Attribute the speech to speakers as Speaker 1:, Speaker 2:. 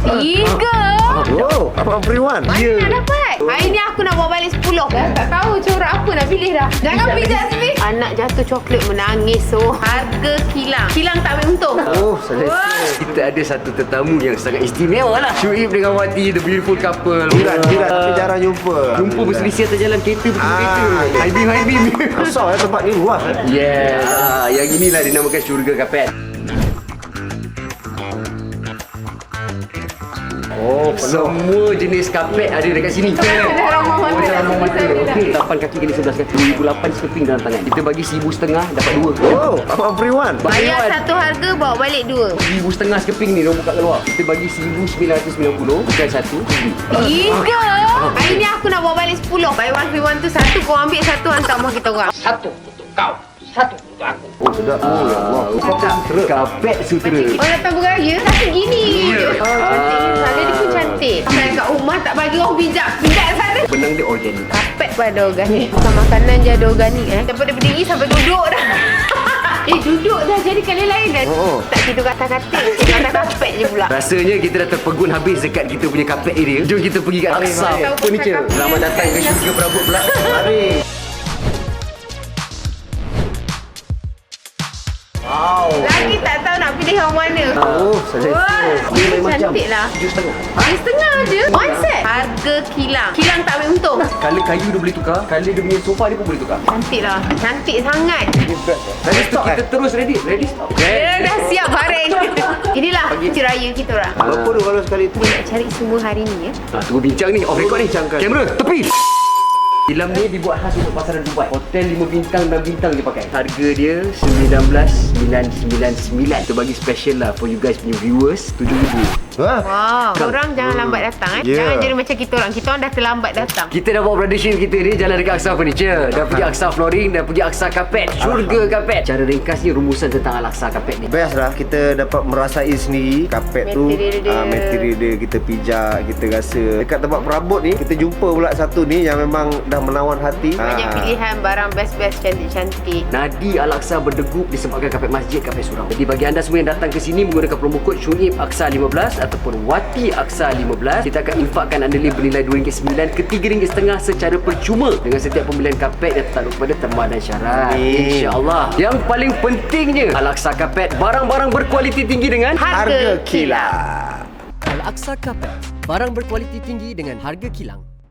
Speaker 1: 3.
Speaker 2: Oh, Abang Priwan.
Speaker 1: Mana nak dapat? Hari ni aku nak bawa balik 10. Tak tahu corak apa nak pilih dah. Jangan pijak sini. Anak jatuh coklat menangis. So, harga kilang. Kilang tak ambil untung.
Speaker 2: Oh, selesa.
Speaker 3: Kita ada satu tetamu yang sangat istimewa lah. Syuib dengan Wati, the beautiful couple.
Speaker 2: Jiran, tapi jarang jumpa.
Speaker 3: Jumpa berselisih atas jalan kereta bertemu kereta. High beam.
Speaker 2: Besar tempat ni luas.
Speaker 3: Yes. Yang inilah dinamakan syurga kapet. Oh, semua jenis kapet ada dekat sini.
Speaker 1: Dah ramah mata.
Speaker 3: Macam ramah mata. Okey, 8 kaki kena 11 kaki. 2008 skeping dalam tangan. Kita bagi 1,500 dapat 2.
Speaker 2: Oh, Abang Priwan.
Speaker 1: Bayar satu harga, bawa balik 2.
Speaker 3: 1,500 skeping ni, orang buka kat luar. Kita bagi 1,990, bukan satu.
Speaker 1: 3. Hari ni aku nak bawa balik 10. Buy one free one tu satu. Kau ambil satu, hantar rumah kita orang.
Speaker 4: Satu untuk kau, satu untuk aku.
Speaker 2: Oh, sedap. Oh, ya Allah.
Speaker 3: Kapet sutera.
Speaker 1: Orang datang beraya, tapi gini. Cantik. Sana dia pun cantik. Sampai kat rumah tak bagi orang pijak. Pijak sana.
Speaker 3: Benang dia organik.
Speaker 1: Kapet pun ada organik. Bukan makanan je ada organik Daripada berdiri sampai duduk dah. Duduk dah jadi kali lain dah.
Speaker 2: Oh.
Speaker 1: Tak tidur katil-katil. Atas kapet je pula.
Speaker 3: Rasanya kita dah terpegun habis dekat kita punya kapet area. Jom kita pergi kat Aqsa
Speaker 2: mari.
Speaker 3: Furniture. Selamat datang ke syurga perabot pula.
Speaker 2: Mari. Wow.
Speaker 1: Lagi tak tahu nak pilih yang mana.
Speaker 2: Oh, selesa.
Speaker 1: Wah,
Speaker 3: Ni lain macam.
Speaker 1: cantik lah.
Speaker 3: 7,5.
Speaker 1: Setengah je. One set. Harga kilang. Kilang tak ambil untung.
Speaker 3: Color kayu dia boleh tukar. Color dia punya sofa dia pun boleh tukar.
Speaker 1: Cantik lah. Cantik sangat.
Speaker 3: Lepas tu kita terus ready stop.
Speaker 1: Dia dah siap baring. Inilah cuti raya kita orang.
Speaker 2: Berapa tu kalau sekali tu?
Speaker 1: Nak cari semua hari ni
Speaker 3: Tunggu bincang ni. Off record ni.
Speaker 2: Bincangkan.
Speaker 3: Kamera, tepi. Filem ni dibuat khas untuk pasaran Dubai. Hotel 5 bintang dan bintang dia pakai. Harga dia 19,999. Kita bagi special lah for you guys punya viewers. 7,000.
Speaker 2: Wah.
Speaker 1: Wow. Korang jangan lambat datang
Speaker 2: Yeah.
Speaker 1: Jangan jadi macam kita orang. Kita orang dah terlambat datang.
Speaker 3: Kita dah bawa brother Shane kita ni jalan dekat Aqsa Furniture. Dah pergi Aqsa Flooring, dah pergi Aqsa Carpet. Syurga Carpet. Cara ringkasnya rumusan tentang Al-Aqsa Carpet ni.
Speaker 2: Best lah kita dapat merasai sendiri kapet tu,
Speaker 1: Material dia.
Speaker 2: material dia kita pijak, kita rasa. Dekat tempat perabot ni kita jumpa pula satu ni yang memang dah menawan hati.
Speaker 1: Banyak pilihan barang best-best cantik-cantik.
Speaker 3: Nadi Al-Aqsa berdegup disebabkan kapet masjid, kapet surau. Jadi bagi anda semua yang datang ke sini menggunakan promo kod Syuib Aqsa 15 ataupun Wati Aqsa 15, kita akan infakkan anda link bernilai RM2.9 ke RM3.5 secara percuma dengan setiap pembelian kapet yang tertakluk kepada terma dan syarat. InsyaAllah. Yang paling pentingnya, Al-Aqsa Carpet, barang-barang berkualiti tinggi dengan
Speaker 2: Harga kilang.
Speaker 5: Al-Aqsa Carpet, barang berkualiti tinggi dengan harga kilang.